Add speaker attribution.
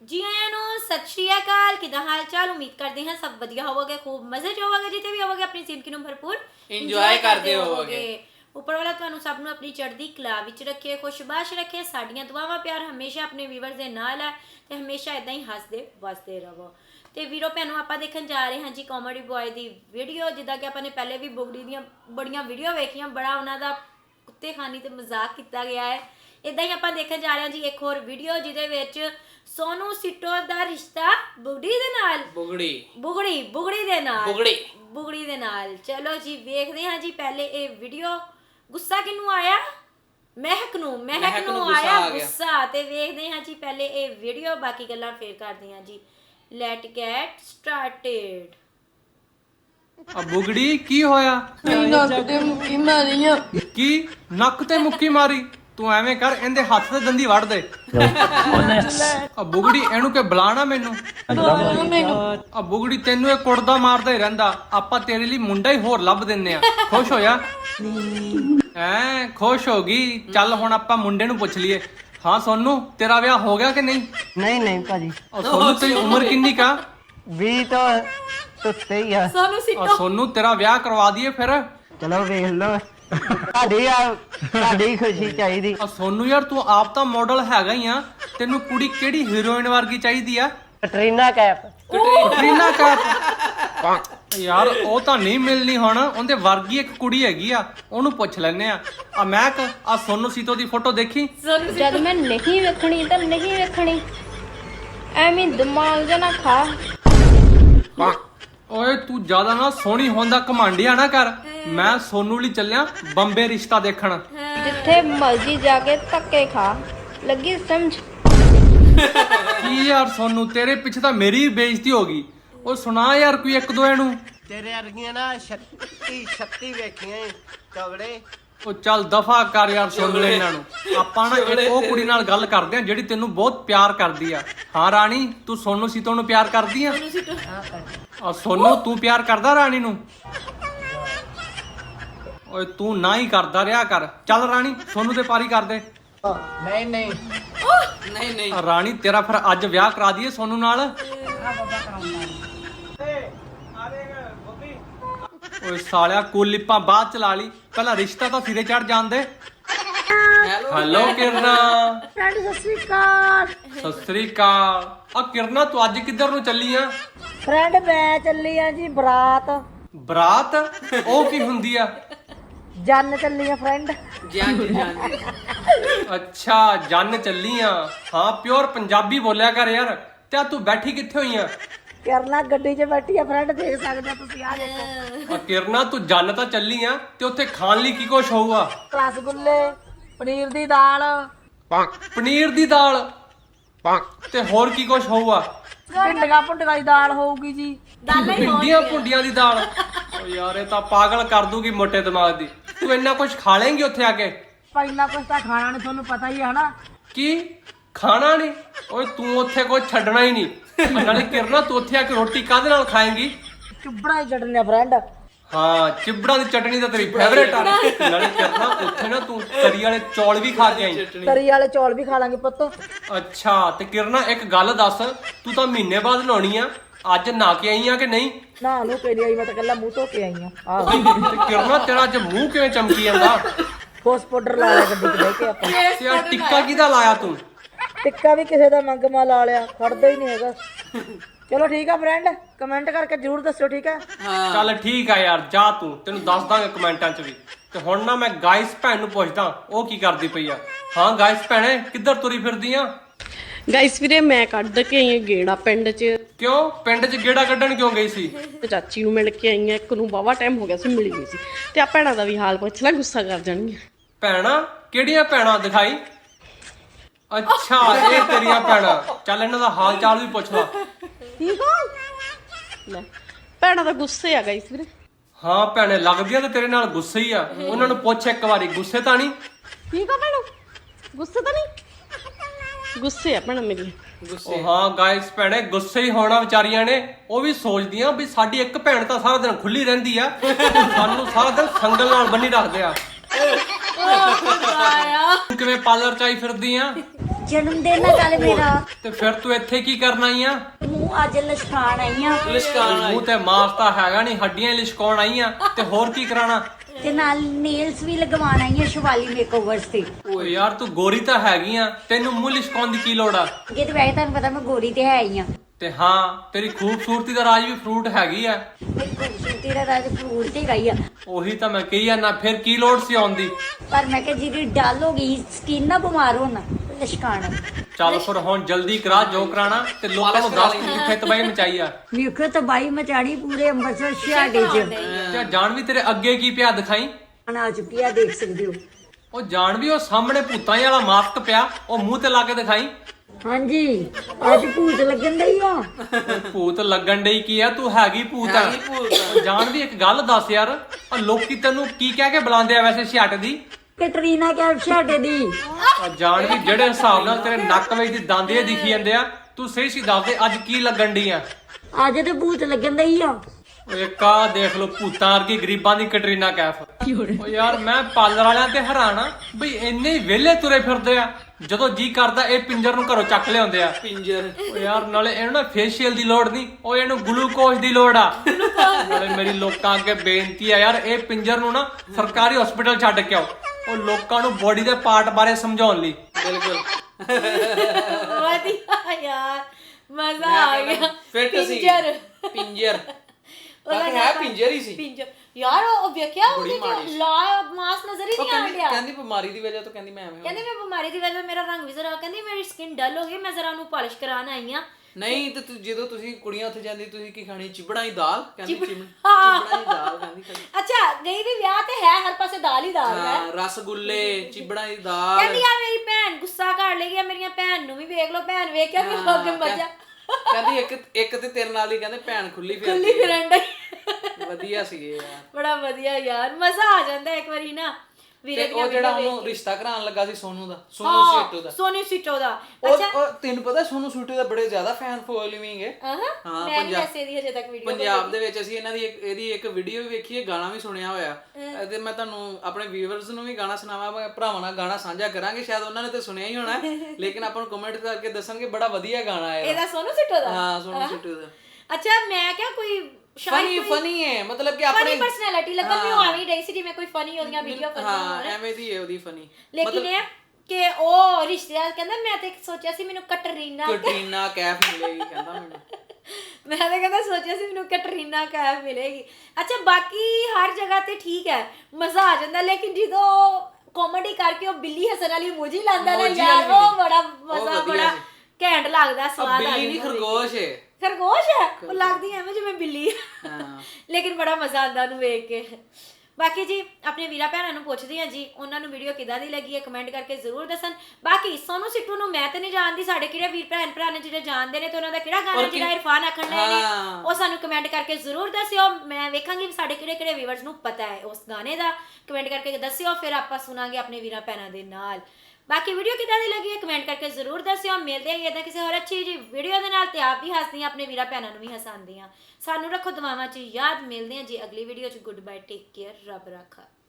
Speaker 1: ਜੀ ਆਇਆਂ ਨੂੰ ਸਤਿ ਸ਼੍ਰੀ ਅਕਾਲ। ਕਿੱਦਾਂ ਹਾਲ ਚਾਲ? ਉਮੀਦ ਕਰਦੇ ਹਾਂ ਸਭ ਵਧੀਆ ਹੋਵੋਗੇ, ਖੂਬ ਮਜ਼ੇ 'ਚ ਹੋਵੋਗੇ, ਜਿੱਥੇ ਵੀ ਹੋਵੋਗੇ ਆਪਣੀ ਜ਼ਿੰਦਗੀ ਨੂੰ ਭਰਪੂਰ
Speaker 2: ਇੰਜੋਏ ਕਰਦੇ ਹੋਵੋਗੇ।
Speaker 1: ਉੱਪਰ ਵਾਲਾ ਤੁਹਾਨੂੰ ਸਭ ਨੂੰ ਆਪਣੀ ਚੜ੍ਹਦੀ ਕਲਾ ਵਿੱਚ ਰੱਖੇ, ਖੁਸ਼ਬਾਸ਼ ਰੱਖੇ। ਸਾਡੀਆਂ ਦੁਆਵਾਂ ਪਿਆਰ ਹਮੇਸ਼ਾ ਆਪਣੇ ਵੀਵਰ ਦੇ ਨਾਲ ਹੈ ਤੇ ਹਮੇਸ਼ਾ ਇਦਾਂ ਹੀ ਹੱਸਦੇ ਵਸਦੇ ਰਹੋ। ਤੇ ਵੀਰੋ ਭੈਣੋ, ਆਪਾਂ ਦੇਖਣ ਜਾ ਰਹੇ ਹਾਂ ਜੀ ਕਾਮੇਡੀ ਬॉय ਦੀ ਵੀਡੀਓ। ਜਿੱਦਾਂ ਕਿ ਆਪਾਂ ਨੇ ਪਹਿਲੇ ਵੀ ਬੁਗੜੀ ਦੀਆਂ ਬੜੀਆਂ ਵੀਡੀਓ ਵੇਖੀਆਂ, ਬੜਾ ਉਹਨਾਂ ਦਾ ਕੁੱਤੇ ਖਾਨੀ ਤੇ ਮਜ਼ਾਕ ਕੀਤਾ ਗਿਆ ਹੈ। ਇਦਾਂ ਹੀ ਆਪਾਂ ਦੇਖਣ ਜਾ ਰਹੇ ਹਾਂ ਜੀ ਇੱਕ ਹੋਰ ਵੀਡੀਓ, ਜਿਹਦੇ ਵਿੱਚ ਸੋਨੂ ਸਿੱਟੋ ਦਾ ਰਿਸ਼ਤਾ ਬੁਗੜੀ ਦੇ ਨਾਲ ਬੁਗੜੀ ਦੇ ਨਾਲ। ਚਲੋ ਜੀ ਵੇਖਦੇ ਹਾਂ ਜੀ ਪਹਿਲੇ ਇਹ ਵੀਡੀਓ। ਗੁੱਸਾ ਕਿਹਨੂੰ ਆਇਆ? ਮਹਿਕ ਨੂੰ ਆਇਆ ਗੁੱਸਾ। ਤੇ ਵੇਖਦੇ ਹਾਂ ਜੀ ਪਹਿਲੇ ਇਹ ਵੀਡੀਓ, ਬਾਕੀ ਗੱਲਾਂ ਫੇਰ ਕਰਦੇ ਹਾਂ ਜੀ। Let get started.
Speaker 3: ਆ ਬੁਗੜੀ ਕੀ ਹੋਇਆ?
Speaker 4: ਨੱਕ ਤੇ ਮੁੱਕੀ ਮਾਰੀ ਆ।
Speaker 3: ਕੀ ਨੱਕ ਤੇ ਮੁੱਕੀ ਮਾਰੀ? ਤੂੰ ਐਵੇਂ ਕਰ, ਇਹਦੇ ਹੱਥ ਤੇ ਦੰਦੀ ਵੜ ਦੇ। ਆ ਬੁਗੜੀ ਇਹਨੂੰ ਕਿ ਬੁਲਾਣਾ ਮੈਨੂੰ? ਆ ਬੁਗੜੀ ਤੈਨੂੰ ਇਹ ਕੁੜਦਾ ਮਾਰਦਾ ਹੀ ਰਹਿੰਦਾ। ਆਪਾਂ ਤੇਰੇ ਲਈ ਮੁੰਡਾ ਹੀ ਹੋਰ ਲੱਭ ਦਿੰਨੇ ਆ। ਖੁਸ਼ ਹੋਇਆ? ਐ ਖੁਸ਼ ਹੋ ਗਈ? ਚੱਲ ਹੁਣ ਆਪਾਂ ਮੁੰਡੇ ਨੂੰ ਪੁੱਛ ਲਈਏ। ਹਾਂ ਸੋਨੂ, ਤੇਰਾ ਵਿਆਹ ਹੋ ਗਿਆ ਕਿ ਨਹੀਂ?
Speaker 5: ਨਹੀਂ ਭਾਜੀ।
Speaker 3: ਆ ਸੋਨੂ ਤੇਰੀ ਉਮਰ ਕਿੰਨੀ ਕਾ?
Speaker 5: 20 ਤਾਂ ਤੁੱਤੇ ਹੀ ਆ।
Speaker 1: ਸੋਨੂ
Speaker 3: ਆ
Speaker 1: ਸਿੱਟੋ
Speaker 3: ਸੋਨੂ ਤੇਰਾ ਵਿਆਹ ਕਰਵਾ ਦਈਏ ਫਿਰ?
Speaker 5: ਚਲੋ ਵੇਖ ਲਓ, ਤੁਹਾਡੀ ਖੁਸ਼ੀ ਚਾਹੀਦੀ।
Speaker 3: ਆ ਸੋਨੂ ਯਾਰ, ਤੂੰ ਆਪ ਤਾਂ ਮਾਡਲ ਹੈਗਾ ਹੀ ਆ। ਤੈਨੂੰ ਕੁੜੀ ਕਿਹੜੀ ਹੀਰੋਇਨ ਵਰਗੀ ਚਾਹੀਦੀ ਆ?
Speaker 5: ਕਟਰੀਨਾ ਕੈਫ।
Speaker 3: ਕਟਰੀਨਾ ਕੈਫ ਯਾਰ, ਉਹ ਤਾਂ ਨਹੀਂ ਮਿਲਣੀ ਹੁਣ। ਉਹਦੇ ਵਰਗੀ ਇੱਕ ਕੁੜੀ ਹੈਗੀ ਆ, ਉਹਨੂੰ ਪੁੱਛ ਲੈਨੇ ਆ। ਆ ਮਹਿਕ, ਆ ਸੋਨੂ ਸੀਤੋ ਦੀ ਫੋਟੋ ਦੇਖੀ?
Speaker 4: ਜਦ ਮੈਂ ਨਹੀਂ ਵੇਖਣੀ ਤਾਂ ਨਹੀਂ ਵੇਖਣੀ, ਐਵੇਂ ਦਿਮਾਗ ਜਿਹਾ ਨਾ ਖਾ।
Speaker 3: ਓਏ ਤੂੰ ਜ਼ਿਆਦਾ ਨਾ ਸੋਹਣੀ ਹੋਣ ਦਾ ਘਮੰਡਿਆ ਨਾ ਕਰ। ਮੈਂ ਸੋਨੂ ਲਈ ਚੱਲਿਆ ਬੰਬੇ ਰਿਸ਼ਤਾ ਦੇਖਣ।
Speaker 4: ਜਿੱਥੇ ਮਰਜੀ ਜਾ ਕੇ ਧੱਕੇ ਖਾ, ਲੱਗੀ ਸਮਝ।
Speaker 3: ਕੀ ਯਾਰ ਸੋਨੂ, ਤੇਰੇ ਪਿੱਛੇ ਤਾਂ ਮੇਰੀ ਬੇਇੱਜ਼ਤੀ ਹੋ ਗਈ। ਉਹ ਸੁਣਾ ਯਾਰ ਕੋਈ ਇੱਕ ਦੋ ਇਹਨੂੰ।
Speaker 5: ਤੇਰੇ ਵਰਗੀਆਂ ਨਾ 36 ਵੇਖੀਆਂ ਚੌੜੇ।
Speaker 3: ਉਹ ਚੱਲ ਦਫਾ ਕਰ ਯਾਰ, ਸੁਣ ਲੈ ਇਹਨਾਂ ਨੂੰ। ਆਪਾਂ ਨਾ ਇੱਕ ਉਹ ਕੁੜੀ ਨਾਲ ਗੱਲ ਕਰਦੇ ਆ ਜਿਹੜੀ ਤੈਨੂੰ ਬਹੁਤ ਪਿਆਰ ਕਰਦੀ ਆ। ਹਾਂ ਰਾਣੀ, ਤੂੰ ਸੋਨੂ ਸੀਤੋ ਨੂੰ ਪਿਆਰ ਕਰਦੀ ਆ? ਆ ਸੋਨੂ, ਤੂੰ ਪਿਆਰ ਕਰਦਾ ਰਾਣੀ ਨੂੰ? ਓਏ ਤੂੰ ਨਾ ਹੀ ਕਰਦਾ ਰਿਹਾ ਕਰ। ਚੱਲ ਰਾਣੀ, ਸੋਨੂ ਤੇ ਪਾਰੀ ਕਰ ਦੇ।
Speaker 5: ਨਹੀਂ
Speaker 3: ਆ ਰਾਣੀ, ਤੇਰਾ ਫਿਰ ਅੱਜ ਵਿਆਹ ਕਰਾ ਦਈਏ ਸੋਨੂ ਨਾਲ? ਓਏ ਸਾਲਿਆ, ਕੁਲਿਪਾਂ ਬਾਅਦ ਚ ਲਾ ਲਈ, ਪਹਿਲਾਂ ਰਿਸ਼ਤਾ ਤਾਂ ਸਿਰੇ ਚੜ ਜਾਂਦੇ। ਹੈਲੋ ਕਿਰਨਾ।
Speaker 4: ਸਤਿ ਸ੍ਰੀ ਅਕਾਲ
Speaker 3: ਸਤਿ ਸ੍ਰੀ ਅਕਾਲ। ਆ ਕਿਰਨਾ, ਤੂੰ ਅੱਜ ਕਿੱਧਰ ਨੂੰ ਚੱਲੀ ਆ?
Speaker 6: ਫਰੈਂਡ ਮੈਂ ਚੱਲੀ ਆ ਜੀ ਬਰਾਤ।
Speaker 3: ਬਰਾਤ? ਉਹ ਕੀ ਹੁੰਦੀ ਆ?
Speaker 6: ਜੰਨ ਚੱਲੀ ਆ ਫਰੈਂਡ।
Speaker 3: ਅੱਛਾ, ਜੰਨ ਚੱਲੀ ਆ। ਹਾਂ, ਪਿਓਰ ਪੰਜਾਬੀ ਬੋਲਿਆ ਕਰ ਯਾਰ। ਤੇ ਤੂੰ ਬੈਠੀ ਕਿੱਥੇ ਹੋਈ ਆ?
Speaker 6: ਕਰਨਾ ਗੱਡੀ 'ਚ ਬੈਠੀ ਆ ਫਰੈਂਡ, ਦੇਖ ਸਕਦੇ ਹੋ ਤੁਸੀਂ। ਆ ਦੇਖੋ
Speaker 3: ਆ ਕਿਰਨਾ, ਤੂੰ ਜੰਨ ਤਾਂ ਚੱਲੀ ਆ, ਤੇ ਉੱਥੇ ਖਾਣ ਲਈ ਕੀ ਕੁਛ ਹੋਊਗਾ?
Speaker 6: ਰਸਗੁੱਲੇ, ਪਨੀਰ ਦੀ ਦਾਲ,
Speaker 3: ਪਨੀਰ ਦੀ ਦਾਲ ਤੇ ਹੋਰ ਕੀ ਕੁਛ ਹੋਊਗਾ?
Speaker 6: ਭਿੰਡੀਆਂ ਭੁੰਡੀਆਂ ਦੀ ਦਾਲ ਹੋਊਗੀ ਜੀ।
Speaker 1: ਦਾਲਾਂ ਹੀ
Speaker 3: ਭਿੰਡੀਆਂ ਭੁੰਡੀਆਂ ਦੀ ਦਾਲ? ਓ ਯਾਰ, ਇਹ ਤਾਂ ਪਾਗਲ ਕਰ ਦੂਗੀ ਮੋਟੇ ਦਿਮਾਗ ਦੀ। ਤੂੰ ਇੰਨਾ ਕੁਛ ਖਾ ਲੇਂਗੀ ਉੱਥੇ ਆ ਕੇ?
Speaker 6: ਪਹਿਲਾਂ ਕੁਛ ਤਾਂ ਖਾਣਾ ਨਹੀਂ, ਤੁਹਾਨੂੰ ਪਤਾ ਹੀ ਹੈ ਨਾ।
Speaker 3: ਕੀ ਖਾਣਾ ਨਹੀਂ? ਓਏ ਤੂੰ ਉੱਥੇ ਕੁਛ ਛੱਡਣਾ ਹੀ ਨਹੀਂ। ਨਾਲੇ ਕਿਰਨਾ, ਤੂੰ ਉੱਥੇ ਆ ਕੇ ਰੋਟੀ ਕਾਹਦੇ ਨਾਲ ਖਾਏਂਗੀ?
Speaker 6: ਚੁੱਬੜਾ ਹੀ ਛੱਡਣੇ ਆ ਫਰੈਂਡ।
Speaker 3: ਹਾਂ, ਚਿਬੜਾਂ ਦੀ ਚਟਨੀ ਤਾਂ ਤੇਰੀ ਫੇਵਰੇਟ ਆ। ਨਾਲੇ ਕਿਰਨਾ, ਉੱਥੇ ਨਾ ਤੂੰ ਤਰੀ ਵਾਲੇ ਚੌਲ ਵੀ ਖਾ ਕੇ ਆਈ।
Speaker 6: ਤਰੀ ਵਾਲੇ ਚੌਲ ਵੀ ਖਾ ਲਾਂਗੇ ਪੁੱਤ।
Speaker 3: ਅੱਛਾ, ਤੇ ਕਿਰਨਾ ਇੱਕ ਗੱਲ ਦੱਸ, ਤੂੰ ਤਾਂ ਮਹੀਨੇ ਬਾਅਦ ਨਹਾਉਣੀ ਆ, ਅੱਜ ਨਹਾ ਕੇ ਆਈ ਆ ਕਿ ਨਹੀਂ?
Speaker 6: ਨਾ ਨੂੰ ਕੇ ਲਈ ਆਈ, ਮੈਂ ਤਾਂ ਕੱਲਾ ਮੂੰਹ ਧੋ ਕੇ ਆਈ ਆ।
Speaker 3: ਤੇ ਕਿਰਨਾ, ਤੇਰਾ ਅੱਜ ਮੂੰਹ ਕਿਵੇਂ ਚਮਕੀ ਜਾਂਦਾ?
Speaker 6: ਫੋਸ ਪਾਊਡਰ ਲਾ ਲਿਆ ਗੱਡੀ 'ਚ ਬਹਿ ਕੇ ਆਪਾਂ।
Speaker 3: ਤੇ ਆ ਟਿੱਕਾ ਕਿਹਦਾ ਲਾਇਆ ਤੂੰ?
Speaker 6: ਟਿੱਕਾ ਵੀ ਕਿਸੇ ਦਾ ਮੰਗਮਾ ਲਾ ਲਿਆ, ਖੜਦਾ ਹੀ ਨਹੀਂ ਹੈਗਾ। ਚਲੋ ਠੀਕ ਆ ਫਰੈਂਡ, ਕਮੈਂਟ ਕਰਕੇ ਜਰੂਰ ਦੱਸਿਓ, ਠੀਕ ਆ?
Speaker 3: ਚੱਲ ਠੀਕ ਆ ਯਾਰ, ਜਾ ਤੂੰ, ਤੈਨੂੰ ਦੱਸ ਦਾਂਗੇ ਕਮੈਂਟਾਂ 'ਚ ਵੀ। ਤੇ ਹੁਣ ਨਾ ਮੈਂ ਗਾਇਸ ਭੈਣ ਨੂੰ ਪੁੱਛਦਾ, ਉਹ ਕੀ ਕਰਦੀ ਪਈ ਆ। ਹਾਂ ਗਾਇਸ ਭੈਣੇ, ਕਿੱਧਰ ਤੁਰੀ ਫਿਰਦੀ ਆ?
Speaker 7: ਗਾਇਸ ਵੀਰੇ, ਮੈਂ ਕੱਢ ਕੇ ਆਈ ਹਾਂ ਗੇੜਾ ਪਿੰਡ 'ਚ।
Speaker 3: ਕਿਉਂ ਪਿੰਡ 'ਚ ਗੇੜਾ ਕੱਢਣ ਕਿਉਂ ਗਈ ਸੀ?
Speaker 7: ਤੇ ਚਾਚੀ ਨੂੰ ਮਿਲ ਕੇ ਆਈ ਹਾਂ, ਇੱਕ ਨੂੰ ਵਾਹਵਾ ਟਾਈਮ ਹੋ ਗਿਆ ਸੀ ਮਿਲੀ ਨਹੀਂ ਸੀ। ਤੇ ਆ ਭੈਣਾਂ ਦਾ ਵੀ ਹਾਲ ਪੁੱਛ ਲੈ, ਗੁੱਸਾ ਕਰ ਜਾਣਗੀਆਂ।
Speaker 3: ਭੈਣਾਂ? ਕਿਹੜੀਆਂ ਭੈਣਾਂ ਦਿਖਾਈ? ਅੱਛਾ, ਇਹ ਤੇਰੀਆਂ ਭੈਣਾਂ। ਚੱਲ ਇਹਨਾਂ ਦਾ ਹਾਲ ਚਾਲ ਵੀ ਪੁੱਛ ਲਾ।
Speaker 7: ਠੀਕ ਹੋ? ਲੈ, ਭੈਣਾਂ ਦਾ ਗੁੱਸੇ ਆ ਗਾਇਸ ਵੀਰੇ।
Speaker 3: ਹਾਂ ਭੈਣੇ, ਲੱਗਦੀਆਂ ਤੇ ਤੇਰੇ ਨਾਲ ਗੁੱਸੇ ਹੀ ਆ। ਉਹਨਾਂ ਨੂੰ ਪੁੱਛ ਇੱਕ ਵਾਰੀ, ਗੁੱਸੇ ਤਾਂ ਨਹੀਂ?
Speaker 7: ਠੀਕ ਆ ਭੈਣੋ? ਗੁੱਸੇ ਤਾਂ ਨਹੀਂ? ਗੁੱਸੇ ਆ ਭੈਣਾਂ ਮੇਰੀਆਂ।
Speaker 3: ਉਹ ਹਾਂ ਗਾਇਸ ਭੈਣੇ, ਗੁੱਸੇ ਹੀ ਹੋਣਾ ਵਿਚਾਰੀਆਂ ਨੇ। ਉਹ ਵੀ ਸੋਚਦੀਆਂ ਵੀ ਸਾਡੀ ਇੱਕ ਭੈਣ ਤਾਂ ਸਾਰਾ ਦਿਨ ਖੁੱਲੀ ਰਹਿੰਦੀ ਆ, ਸਾਨੂੰ ਸਾਰਾ ਦਿਨ ਸੰਗਲ ਨਾਲ ਬੰਨੀ ਰੱਖਦੇ ਆ। ਤੂੰ ਕਿਵੇਂ ਪਾਰਲਰ ਚ ਆਈ ਫਿਰਦੀ ਆ?
Speaker 8: ਜਨਮ ਦਿਨ ਆ ਕੱਲ ਮੇਰਾ।
Speaker 3: ਤੇ ਫਿਰ ਤੂੰ ਇੱਥੇ ਕੀ ਕਰਨ ਆਈ ਆ?
Speaker 8: ਮੂੰਹ ਅੱਜ ਲਿਸ਼ਕਾਣ ਆਈ ਆ
Speaker 2: ਲਿਸ਼ਕਾਨ ਆਈ।
Speaker 3: ਮੂੰਹ ਤੇ ਮਾਸ ਤਾਂ ਹੈਗਾ ਨਹੀਂ, ਹੱਡੀਆਂ ਲਿਸ਼ਕਾਉਣ ਆਈ ਆ ਤੇ ਹੋਰ ਕੀ ਕਰਾਣਾ?
Speaker 8: ਤੇ ਨਾਲ ਨੇਲਸ ਵੀ ਲਗਵਾਣ ਆਈ ਆ ਸ਼ਿਵਾਲੀ ਮੇਕਓਵਰਸ ਤੇ।
Speaker 3: ਓ ਯਾਰ ਤੂੰ ਗੋਰੀ ਤਾਂ ਹੈਗੀ ਆ, ਤੈਨੂੰ ਮੂੰਹ ਲਿਸ਼ਕਾਉਣ ਦੀ ਕੀ ਲੋੜ ਆ?
Speaker 8: ਅੱਗੇ ਤੇ ਵੈਸੇ ਤੁਹਾਨੂੰ ਪਤਾ ਮੈਂ ਗੋਰੀ ਤੇ ਹੈ ਹੀ ਆ।
Speaker 3: ਤੇ ਹਾਂ, ਤੇਰੀ ਖੂਬਸੂਰਤੀ ਦਾ ਰਾਜ ਵੀ ਫਰੂਟ ਹੈਗੀ ਆ।
Speaker 8: ਮੇਰੀ ਖੂਬਸੂਰਤੀ ਦਾ ਰਾਜ ਫਰੂਟ ਤੇ ਗਈ ਆ।
Speaker 3: ਉਹੀ ਤਾਂ ਮੈਂ ਕਹੀ ਆ ਨਾ, ਫਿਰ ਕੀ ਲੋੜ ਸੀ ਆਉਣ ਦੀ?
Speaker 8: ਪਰ ਮੈਂ ਕਿਹਾ ਜਿਹਦੀ ਡਲ ਹੋ ਗਈ ਸਕਿਨ ਨਾ ਬਿਮਾਰ ਹੋਣਾ ਲਿਸ਼ਕਾਣ।
Speaker 3: ਚੱਲ ਫਿਰ ਹੁਣ ਜਲਦੀ ਕਰਾ ਜੋ ਕਰਾਣਾ ਤੇ ਲੋਕਾਂ ਨੂੰ ਦੱਸ ਤੂੰ ਕਿੱਥੇ ਤਬਾਹੀ ਮਚਾਈ ਆ।
Speaker 8: ਵੇਖੋ ਤਬਾਈ ਮਚਾੜੀ ਪੂਰੇ ਅੰਮ੍ਰਿਤਸਰ ਸ਼ਹਿਰ ਚ।
Speaker 3: ਤੇ ਜਾਣ ਵੀ ਤੇਰੇ ਅੱਗੇ ਕੀ ਪਿਆ ਦਿਖਾਈ।
Speaker 8: ਆ ਚੁੱਕੀ ਆ, ਦੇਖ ਸਕਦੇ ਹੋ।
Speaker 3: ਉਹ ਜਾਣ ਵੀ ਉਹ ਸਾਹਮਣੇ ਭੂਤਾਂ ਵਾਲਾ ਮਾਸਕ ਪਿਆ, ਉਹ ਮੂੰਹ ਤੇ ਲਾ ਕੇ ਦਿਖਾਈ।
Speaker 8: ਹਾਂਜੀ ਅੱਜ ਭੂਤ ਲੱਗਣ ਡਈ ਆ।
Speaker 3: ਭੂਤ ਲੱਗਣ ਡਈ ਕੀ ਆ? ਤੂੰ ਹੈਗੀ ਭੂਤ ਆ। ਜਾਣ ਵੀ ਇੱਕ ਗੱਲ ਦੱਸ ਯਾਰ, ਆ ਲੋਕੀ ਤੈਨੂੰ ਕੀ ਕਹਿ ਕੇ ਬੁਲਾਉਂਦੇ ਆ ਵੈਸੇ ਛੱਟ ਦੀ?
Speaker 8: ਕੈਟਰੀਨਾ ਕੈਫ ਸਾਡੇ ਦੀ।
Speaker 3: ਆ ਜਾਣ ਵੀ ਜਿਹੜੇ ਹਿਸਾਬ ਨਾਲ ਤੇਰੇ ਨੱਕ ਵਿੱਚ ਦੀ ਦੰਦੇ ਦਿਖੀ ਜਾਂਦੇ ਆ, ਤੂੰ ਸਹੀ ਸੀ ਦੱਸ ਦੇ ਅੱਜ ਕੀ ਲੱਗਣ ਡਈ ਆ?
Speaker 8: ਅੱਜ ਤੇ ਭੂਤ ਲੱਗਣ ਡਈ ਆ।
Speaker 3: ਓਏ ਕਾ ਦੇਖ ਲੋ ਭੂਤਾਂ ਵਰਗੀ ਗਰੀਬਾਂ ਦੀ ਕੈਟਰੀਨਾ ਕੈਫ। ਓ ਯਾਰ ਮੈਂ ਪਾਰਲਰ ਵਾਲਿਆਂ ਤੇ ਹੈਰਾਨ ਆ ਬਈ ਇੰਨੇ ਵਿਹਲੇ ਤੁਰੇ ਫਿਰਦੇ ਆ, ਜਦੋਂ ਜੀ ਕਰਦਾ ਇਹ ਪਿੰਜਰ ਨੂੰ ਘਰੋਂ ਚੱਕ ਲਿਆਉਂਦੇ ਆ।
Speaker 2: ਪਿੰਜਰ।
Speaker 3: ਓ ਯਾਰ ਨਾਲੇ ਇਹਨੂੰ ਨਾ ਫੇਸ਼ੀਅਲ ਦੀ ਲੋੜ ਨਹੀਂ, ਓ ਇਹਨੂੰ ਗਲੂਕੋਜ਼ ਦੀ ਲੋੜ ਆ। ਨਾਲੇ ਮੇਰੀ ਲੋਕਾਂ ਅੱਗੇ ਬੇਨਤੀ ਆ ਯਾਰ, ਇਹ ਪਿੰਜਰ ਨੂੰ ਨਾ ਸਰਕਾਰੀ ਹਸਪੀਟਲ ਛੱਡ ਕੇ ਆਓ, ਉਹ ਲੋਕਾਂ ਨੂੰ ਬੋਡੀ ਦੇ ਪਾਰਟ ਬਾਰੇ ਸਮਝਾਉਣ ਲਈ।
Speaker 2: ਬਿਲਕੁਲ।
Speaker 1: ਵਧੀਆ ਯਾਰ, ਮਜ਼ਾ ਆ ਗਿਆ।
Speaker 2: ਫਿੱਟ ਸੀ।
Speaker 1: ਪਿੰਜਰ।
Speaker 2: ਪਿੰਜਰ। ਬਾਕੀ ਹੈ ਪਿੰਜਰ ਹੀ ਸੀ।
Speaker 1: ਪਿੰਜਰ ਯਾਰ, ਉਹ ਵੇਖਿਆ
Speaker 2: ਬੜੀ
Speaker 1: ਉਹਦੇ
Speaker 2: ਮਾੜੀ
Speaker 1: ਚ
Speaker 2: ਸੀ।
Speaker 1: ਲਾ ਮਾਸ ਨਜ਼ਰ ਹੀ
Speaker 2: ਉਹ
Speaker 1: ਨਹੀਂ ਆਉਂਦਿਆ।
Speaker 2: ਕਹਿੰਦੀ ਬਿਮਾਰੀ ਦੀ ਵਜ੍ਹਾ ਤੋਂ ਕਹਿੰਦੀ ਮੈਂ ਐਵੇਂ
Speaker 1: ਕਹਿੰਦੀ ਮੈਂ ਬਿਮਾਰੀ ਦੀ ਵਜ੍ਹਾ ਮੇਰਾ ਰੰਗ ਵੀ ਜ਼ਰਾ, ਕਹਿੰਦੀ ਮੇਰੀ ਸਕਿਨ ਡਲ ਹੋ ਗਈ, ਮੈਂ ਜ਼ਰਾ ਉਹਨੂੰ ਪਾਲਿਸ਼ ਕਰਾਉਣ ਆਈ ਆ।
Speaker 2: ਨਹੀਂ ਤੇ ਜਦੋਂ ਤੁਸੀਂ ਕੁੜੀਆਂ ਉੱਥੇ ਜਾਂਦੀ ਤੁਸੀਂ ਕੀ ਖਾਣੀ? ਚਿਬੜਾਂ ਦੀ ਦਾਲ ਕਹਿੰਦੀ।
Speaker 1: ਹਾਂ।
Speaker 2: ਚਿਬੜਾਂ ਦੀ ਦਾਲ ਕਹਿੰਦੀ ਖਾਣੀ।
Speaker 1: ਅੱਛਾ ਗਈ ਵੀ ਵਿਆਹ ਤੇ ਹੈ, ਹਰ ਪਾਸੇ ਦਾਲ ਹੀ ਦਾਲ ਹੈ।
Speaker 2: ਹਾਂ, ਰਸਗੁੱਲੇ, ਚਿਬੜਾਂ ਦੀ ਦਾਲ।
Speaker 1: ਕਹਿੰਦੀ ਆ ਮੇਰੀ ਭੈਣ ਗੁੱਸਾ ਕਰ ਲਈ ਆ, ਮੇਰੀਆਂ ਭੈਣ ਨੂੰ ਵੀ ਵੇਖ ਲਓ, ਭੈਣ ਵੇਖ ਕੇ ਮੈਨੂੰ ਅੱਗੇ ਮਜ਼ਾ।
Speaker 2: ਕਹਿੰਦੀ ਇੱਕ ਤੇ ਤੇਰੇ ਨਾਲ ਹੀ ਕਹਿੰਦੇ ਭੈਣ ਖੁੱਲੀ
Speaker 1: ਖੁੱਲੀ ਫਿਰਨ ਡਈ।
Speaker 2: ਵਧੀਆ ਸੀਗੇ ਯਾਰ।
Speaker 1: ਬੜਾ ਵਧੀਆ ਯਾਰ, ਮਜ਼ਾ ਆ ਜਾਂਦਾ ਇੱਕ ਵਾਰੀ ਨਾ ਵੀਰੇ
Speaker 2: ਤੇ
Speaker 1: ਦੀਆਂ
Speaker 2: ਉਹ ਜਿਹੜਾ
Speaker 1: ਵੀਡੀਓ
Speaker 2: ਉਹਨੂੰ ਰਿਸ਼ਤਾ ਕਰਾਉਣ ਲੱਗਾ ਸੀ ਸੋਨੂ ਦਾ, ਸੋਨੂ
Speaker 1: ਹਾਂ,
Speaker 2: ਸੀਟੂ ਦਾ।
Speaker 1: ਸੋਨੂ ਸੀਟੋ ਦਾ।
Speaker 2: ਉਹ ਤੈਨੂੰ ਪਤਾ ਸੋਨੂ ਸੀਟੂ ਦਾ ਬੜੇ ਜ਼ਿਆਦਾ ਫੈਨ ਫੋਲੋਇੰਗ ਹੈ।
Speaker 1: ਹਾਂ ਮੈਂ ਨਹੀਂ ਐਸੇ ਦੀ ਹਜੇ ਤੱਕ ਵੀਡੀਓ
Speaker 2: ਪੰਜਾਬ ਦੇ ਵਿੱਚ ਅਸੀਂ ਇਹਨਾਂ ਦੀ ਇਹਦੀ ਇੱਕ ਵੀਡੀਓ ਵੀ ਵੇਖੀ ਹੈ, ਗਾਣਾ ਵੀ ਸੁਣਿਆ ਹੋਇਆ। ਤੇ ਮੈਂ ਤੁਹਾਨੂੰ ਆਪਣੇ ਵੀਵਰਸ ਨੂੰ ਵੀ ਗਾਣਾ ਸੁਣਾਵਾਂ, ਭਰਾਵਾਂ ਨਾਲ ਗਾਣਾ ਸਾਂਝਾ ਕਰਾਂਗੇ। ਸ਼ਾਇਦ ਉਹਨਾਂ ਨੇ ਤਾਂ ਸੁਣਿਆ ਹੀ ਹੋਣਾ, ਲੇਕਿਨ ਆਪਾਂ ਨੂੰ ਕਮੈਂਟ ਕਰਕੇ ਦੱਸਣਗੇ ਬੜਾ ਵਧੀਆ ਗਾਣਾ ਹੈ
Speaker 1: ਇਹਦਾ ਸੋਨੂ ਸੀਟੋ ਦਾ।
Speaker 2: ਹਾਂ, ਸੋਨੂ ਸੀਟੂ ਦਾ।
Speaker 1: ਅੱਛਾ ਮੈਂ ਕਿਹਾ ਕੋਈ
Speaker 2: ਫਨੀ ਹੈ, ਮਤਲਬ ਕਿ ਆਪਣੇ
Speaker 1: ਪਰਸਨੈਲਿਟੀ ਲੱਗਣ ਵੀ ਉਹ ਐਵੇਂ ਰਹੀ ਸੀ ਜਿਵੇਂ ਕੋਈ ਫਨੀ ਉਹਦੀਆਂ ਵੀਡੀਓ
Speaker 2: ਹਾਂ ਐਵੇਂ ਦੀ ਹੈ ਉਹਦੀ ਫਨੀ।
Speaker 1: ਲੇਕਿਨ ਇਹ ਕਿ ਉਹ ਰਿਸ਼ਤੇਦਾਰ ਕਹਿੰਦਾ ਮੈਂ ਤੇ ਸੋਚਿਆ ਸੀ ਮੈਨੂੰ ਕੈਟਰੀਨਾ
Speaker 2: ਕੈਫ ਮਿਲੇਗੀ, ਕਹਿੰਦਾ ਮੈਨੂੰ।
Speaker 1: ਮੈਂ ਤਾਂ ਕਹਿੰਦਾ ਸੋਚਿਆ ਸੀ ਮੈਨੂੰ ਕੈਟਰੀਨਾ ਕੈਫ ਮਿਲੇਗੀ। ਅੱਛਾ ਬਾਕੀ ਹਰ ਜਗ੍ਹਾ ਤੇ ਠੀਕ ਹੈ, ਮਜ਼ਾ ਆ ਜਾਂਦਾ, ਲੇਕਿਨ ਜਦੋਂ ਕਾਮੇਡੀ ਕਰਕੇ ਉਹ ਬਿੱਲੀ ਹਸਨ ਵਾਲੀ ਮੂਜੀ ਲਾਂਦਾ ਨਾ ਯਾਰ, ਉਹ ਬੜਾ ਮਜ਼ਾ, ਬੜਾ ਘੈਂਟ ਲੱਗਦਾ, ਸਵਾਦ ਆ ਜਾਂਦਾ।
Speaker 2: ਬਿੱਲੀ ਨਹੀਂ ਖਰਗੋਸ਼ ਹੈ।
Speaker 1: ਖਰਗੋਸ਼ ਹੈ ਉਹ, ਲੱਗਦੀ ਐਵੇਂ ਜਿਵੇਂ ਬਿੱਲੀ ਹੈ, ਲੇਕਿਨ ਬੜਾ ਮਜ਼ਾ ਆਉਂਦਾ ਉਹਨੂੰ ਵੇਖ ਕੇ। ਬਾਕੀ ਜੀ ਆਪਣੇ ਵੀਰਾ ਭੈਣਾਂ ਨੂੰ ਪੁੱਛਦੀ ਹਾਂ ਜੀ ਉਹਨਾਂ ਨੂੰ ਵੀਡੀਓ ਕਿਦਾਂ ਦੀ ਲੱਗੀ ਹੈ, ਕਮੈਂਟ ਕਰਕੇ ਜ਼ਰੂਰ ਦੱਸਣ। ਬਾਕੀ ਸੋਨੂ ਸਿੱਟੂ ਨੂੰ ਮੈਂ ਤੇ ਨਹੀਂ ਜਾਣਦੀ, ਸਾਡੇ ਕਿਹੜੇ ਵੀਰ ਭਰਾ ਨੇ ਜਿਹੜੇ ਜਾਣਦੇ ਨੇ ਤੇ ਉਹਨਾਂ ਦਾ ਕਿਹੜਾ ਗਾਣਾ ਜਿਹੜਾ ਇਰਫਾਨ ਆਖਣ ਡਏ ਨੇ ਉਹ ਸਾਨੂੰ ਕਮੈਂਟ ਕਰਕੇ ਜ਼ਰੂਰ ਦੱਸਿਓ। ਮੈਂ ਵੇਖਾਂਗੀ ਸਾਡੇ ਕਿਹੜੇ ਵੀਵਰਸ ਨੂੰ ਪਤਾ ਹੈ ਉਸ ਗਾਣੇ ਦਾ, ਕਮੈਂਟ ਕਰਕੇ ਦੱਸਿਓ, ਫਿਰ ਆਪਾਂ ਸੁਣਾਂਗੇ ਆਪਣੇ ਵੀਰਾਂ ਭੈਣਾਂ ਦੇ ਨਾਲ। ਬਾਕੀ ਵੀਡੀਓ ਕਿਦਾਂ ਦੀ ਲੱਗੀ ਹੈ ਕਮੈਂਟ ਕਰਕੇ ਜ਼ਰੂਰ ਦੱਸਿਓ। ਮਿਲਦੇ ਹਾਂ ਇਦਾਂ ਕਿਸੇ ਹੋਰ ਅੱਛੀ ਜੀ ਵੀਡੀਓ ਦੇ ਨਾਲ, ਤੇ ਆਪ ਵੀ ਹੱਸਦੀਆਂ ਆਪਣੇ ਵੀਰਾਂ ਭੈਣਾਂ ਨੂੰ ਵੀ ਹਸਾਉਂਦੀਆਂ। ਸਾਨੂੰ ਰੱਖੋ ਦੁਆਵਾਂ 'ਚ ਯਾਦ। ਮਿਲਦੇ ਹਾਂ ਜੀ ਅਗਲੀ ਵੀਡੀਓ 'ਚ। ਗੁੱਡ ਬਾਏ, ਟੇਕ ਕੇਅਰ, ਰੱਬ ਰਾਖਾ।